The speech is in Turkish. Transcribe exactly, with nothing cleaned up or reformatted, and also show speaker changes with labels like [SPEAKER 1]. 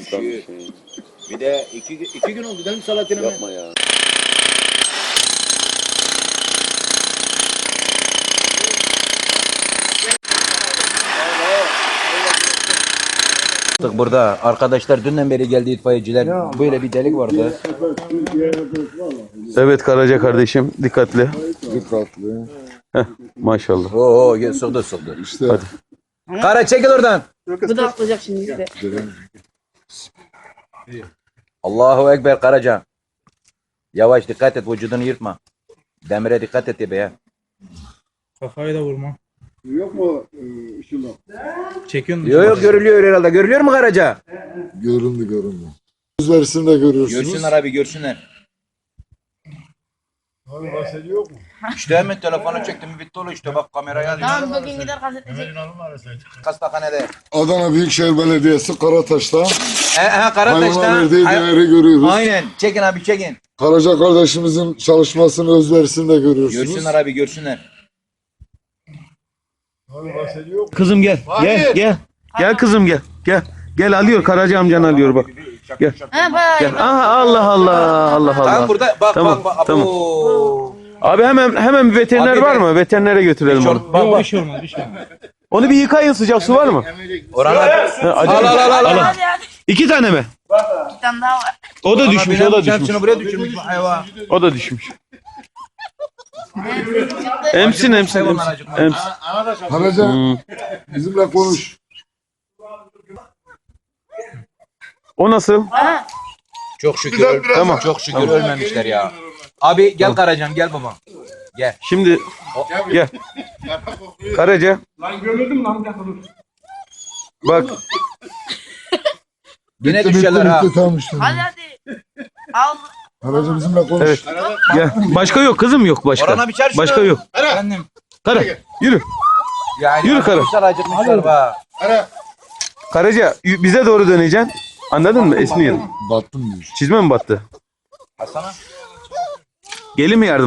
[SPEAKER 1] Üşüyor.
[SPEAKER 2] şey.
[SPEAKER 1] Bir de iki, iki gün oldu değil mi Salatin'e?
[SPEAKER 2] Yapma ya.
[SPEAKER 1] Burada arkadaşlar dünden beri geldi itfaiyeciler. Böyle bir delik vardı.
[SPEAKER 3] Evet Karaca kardeşim dikkatli.
[SPEAKER 4] Dikkatli.
[SPEAKER 3] Heh, maşallah.
[SPEAKER 1] Oo, oo sıkdı sıkdı.
[SPEAKER 4] İşte
[SPEAKER 1] Kara çekil oradan.
[SPEAKER 5] Bu da atlayacak şimdi bize.
[SPEAKER 1] Allahu Ekber Karaca. Yavaş dikkat et, vücudunu yırtma. Demire dikkat et be ya.
[SPEAKER 6] Kafayı da vurma.
[SPEAKER 4] yok mu ışınlar?
[SPEAKER 6] Çekiyorsun.
[SPEAKER 1] Yok yok görülüyor herhalde. Görülüyor mu Karaca?
[SPEAKER 4] Göründü göründü. Yüz versin de görüyorsunuz.
[SPEAKER 1] Görsünler abi görsünler.
[SPEAKER 4] Abi bahsediyor yok mu?
[SPEAKER 1] İşte hemen telefonu çektim bitti oğlum işte bak kameraya aldım.
[SPEAKER 5] Tamam bugün gider gazeteci.
[SPEAKER 1] Hastanede.
[SPEAKER 4] Adana Büyükşehir Belediyesi Karataş'ta
[SPEAKER 1] He he
[SPEAKER 4] hayvana
[SPEAKER 1] Karataş'ta.
[SPEAKER 4] verdiği
[SPEAKER 1] Hay-
[SPEAKER 4] değeri görüyoruz.
[SPEAKER 1] Aynen. Çekin abi çekin.
[SPEAKER 4] Karaca kardeşimizin çalışmasını öz versin de görüyorsunuz.
[SPEAKER 1] Görsünler abi görsünler.
[SPEAKER 4] Abi bahsediyor yok mu?
[SPEAKER 3] Kızım gel. Gel gel. Gel kızım gel. Gel. Gel alıyor Karaca amcan alıyor bak. Gel.
[SPEAKER 5] Ha bayağı
[SPEAKER 3] Gel. Aha Allah Allah Allah
[SPEAKER 1] Tamam
[SPEAKER 3] Allah.
[SPEAKER 1] burada bak
[SPEAKER 3] Tamam,
[SPEAKER 1] bak bak.
[SPEAKER 3] tamam.
[SPEAKER 1] Abo.
[SPEAKER 3] Abi hemen hemen bir veteriner
[SPEAKER 1] Abi
[SPEAKER 3] var
[SPEAKER 1] ben-
[SPEAKER 3] mı? Veterinere götürelim onu.
[SPEAKER 1] Bak
[SPEAKER 6] Yok
[SPEAKER 1] bak.
[SPEAKER 6] bir şey olmaz bir şey olmaz.
[SPEAKER 3] Onu bir yıkayın, sıcak su var mı?
[SPEAKER 1] Oralar.
[SPEAKER 3] Ha, acı-
[SPEAKER 1] Al al al al. al.
[SPEAKER 5] hadi hadi.
[SPEAKER 3] İki tane mi?
[SPEAKER 5] Bir tane daha var.
[SPEAKER 3] O da düşmüş, o da düşmüş.
[SPEAKER 1] Hepsini buraya düşürmüş bu hayvan.
[SPEAKER 3] O da düşmüş.
[SPEAKER 5] Evet, çıktı.
[SPEAKER 3] Emsin emsin
[SPEAKER 1] Hayvanlar
[SPEAKER 3] emsin.
[SPEAKER 1] acıkmaz.
[SPEAKER 3] Emsin.
[SPEAKER 4] Karaca
[SPEAKER 3] Hmm.
[SPEAKER 4] bizimle konuş.
[SPEAKER 3] O nasıl?
[SPEAKER 5] Ha,
[SPEAKER 1] Çok şükür. öl-
[SPEAKER 3] Tamam.
[SPEAKER 1] Çok şükür ölmemişler ya. Abi gel Karacan gel baba. Gel.
[SPEAKER 3] Şimdi gel. Karaca.
[SPEAKER 6] Lan gömüldüm lan.
[SPEAKER 3] Bak
[SPEAKER 1] Yine
[SPEAKER 4] Bitti
[SPEAKER 1] düşerler ha.
[SPEAKER 4] bitti tamam işte.
[SPEAKER 5] hadi hadi. Al.
[SPEAKER 4] Karaca bizimle konuş.
[SPEAKER 3] evet. Gel. Başka yok kızım yok başka.
[SPEAKER 1] Orana biçer şunu.
[SPEAKER 3] Başka yok.
[SPEAKER 1] Efendim.
[SPEAKER 3] Kara yürü.
[SPEAKER 1] Yani
[SPEAKER 3] Yürü Kara.
[SPEAKER 1] acıkmışlar acıkmışlar bak.
[SPEAKER 3] Karaca y- bize doğru döneceksin. Anladın mı? Esniyelim.
[SPEAKER 4] Battım diyor.
[SPEAKER 3] Çizme mi battı?
[SPEAKER 1] Hasan'a.
[SPEAKER 3] Gelin mi yardım?